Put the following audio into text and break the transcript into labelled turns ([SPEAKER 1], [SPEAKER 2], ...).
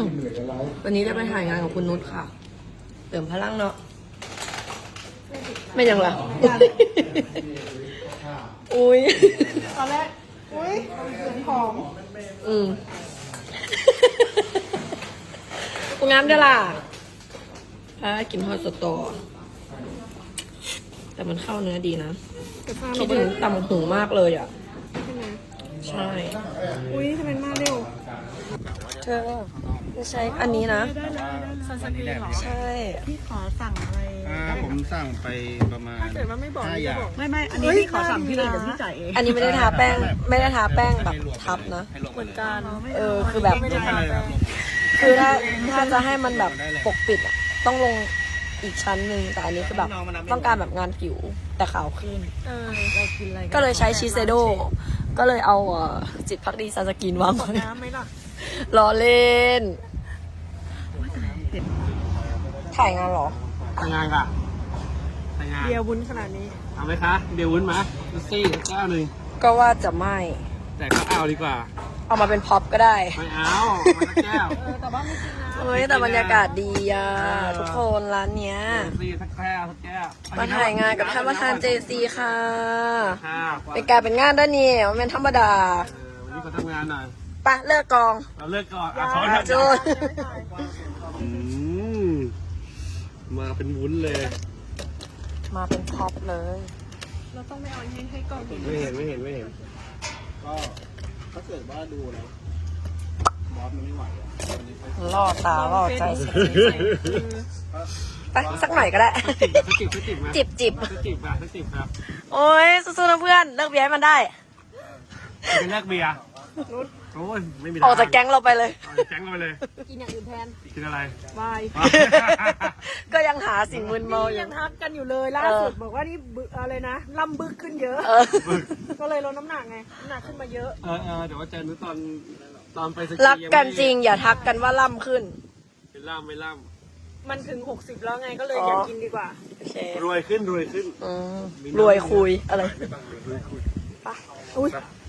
[SPEAKER 1] วันนี้ได้ไปถ่ายงานกับคุณนุชค่ะเติมพลังเนาะไม่ยังล่ะอุ้ย
[SPEAKER 2] ตอนแรกอุ้ยเหมือนหอม
[SPEAKER 1] กูงามเด้อล่ะกินทอดสตอแต่มันเข้าเนื้อดีนะคิดถึงตำหูมากเลยอ่ะใช่
[SPEAKER 2] อุ้ยทำไมมาเร็ว
[SPEAKER 1] เธอจะใช้อันนี้นะ
[SPEAKER 2] ซันสกรีนเหรอ
[SPEAKER 1] ใช่
[SPEAKER 2] พี่ขอสั่งอะไร
[SPEAKER 3] ผมสั่งไปประมาณ
[SPEAKER 2] ถ้าเกิดว่าไม่บอก
[SPEAKER 3] 5
[SPEAKER 2] นี่
[SPEAKER 3] อ
[SPEAKER 2] จะ
[SPEAKER 3] ย่าง
[SPEAKER 2] บอกไม่อันนี้พี่ขอสั่งพี่เลยเดี๋ยวพี่จ่ายเอง
[SPEAKER 1] อันนี้ไม่ได้ทาแป้งแบบทับนะ
[SPEAKER 2] เหมือนกัน
[SPEAKER 1] คือแบบ
[SPEAKER 2] ไม่ได้ทาแป้ง
[SPEAKER 1] คือถ้าจะให้มันแบบปกปิดอะต้องลงอีกชั้นหนึ่งแต่อันนี้คือแบบต้องการแบบงานผิวแต่ขาวขึ้น
[SPEAKER 2] เรากินอะไร
[SPEAKER 1] ก็เลยใช้ชิเซโดก็เลยเอาจิตพักดีซันสกินวางไว้
[SPEAKER 2] น้ำไหมล่ะ
[SPEAKER 1] รอเล่น ถ่ายงานเหรอ
[SPEAKER 3] ทำงานค่ะทำงาน
[SPEAKER 2] เบียร์วุ้นขนาดนี้
[SPEAKER 3] เอาไหมคะเดี๋ยววุ้นมาดูซี่แก้วหนึ่ง
[SPEAKER 1] ก็ว่าจะไม่
[SPEAKER 3] แต่ก็เอาดีกว่า
[SPEAKER 1] เอามาเป็นพ็อปก็ได้
[SPEAKER 3] ไม่เอามาแก้ว
[SPEAKER 2] แต่ว่าไม่กินนะ
[SPEAKER 1] เฮ้ยแต่บรรยากาศดีอ่ะทุกคนร้านเนี้ย
[SPEAKER 3] ดูซี่สักแก้วสักแก้ว
[SPEAKER 1] มาถ่ายงานกับท่านประธาน JC ค่ะ
[SPEAKER 3] ค่ะ
[SPEAKER 1] เป็นการเป็นงานด้านนี้มันเป็นธรรมดา
[SPEAKER 3] วันนี้ขอทำงานหน่อย
[SPEAKER 1] ไปะเลิกกอง
[SPEAKER 3] เราเลิกก่อนขอ
[SPEAKER 1] จูน
[SPEAKER 3] มาเป็นวุ้นเลย
[SPEAKER 1] มาเป็นพ็อปเลย
[SPEAKER 2] เราต้องไม่เอาให้กล้องดู
[SPEAKER 3] ไม่เห็นก็ถ้าเกิดว่าดูแล้วบอสมันไม่ไหววันนี้ไป
[SPEAKER 1] ล่อตาล่อใจสุดไปสักหน่อยก็ได้
[SPEAKER 3] จิบมา
[SPEAKER 1] จิบ
[SPEAKER 3] สักจิบครับ
[SPEAKER 1] โอ้ยสู้ๆนะเพื่อนเลิกเบียร์ให้มันได้
[SPEAKER 3] เป็นแลกเบียร์โอ้ยไม่มี
[SPEAKER 1] ออกจากแก๊งเราไปเลย
[SPEAKER 3] ออกจากแก๊งเราไปเลย
[SPEAKER 2] กินอย่างอื่นแทน
[SPEAKER 3] กินอะไร
[SPEAKER 2] วาย
[SPEAKER 1] ก็ยังหาสิ่งมึนเมาอ
[SPEAKER 2] ยั
[SPEAKER 1] ยู่
[SPEAKER 2] งทักกันอยู่เลยล่าสุดบอกว่านี่อะไรนะล่ำบึกขึ้นเยอะ
[SPEAKER 1] เออ
[SPEAKER 2] ก็เลยลดน้ำหนักไงน้ำหนักขึ้นมาเยอะ
[SPEAKER 3] เดี๋ยวว่าเจอนุตอนไปสกี
[SPEAKER 1] รักกันจริงอย่าทักกันว่าล่ำขึ้น
[SPEAKER 3] เป็นล่ามไม่ล่
[SPEAKER 2] มันถึง60แล้วไงก็เลยอยากกินดีกว่า
[SPEAKER 1] โอเค
[SPEAKER 3] ำรวยขึ้น
[SPEAKER 1] รวยคุยอะไร
[SPEAKER 2] อุ้ย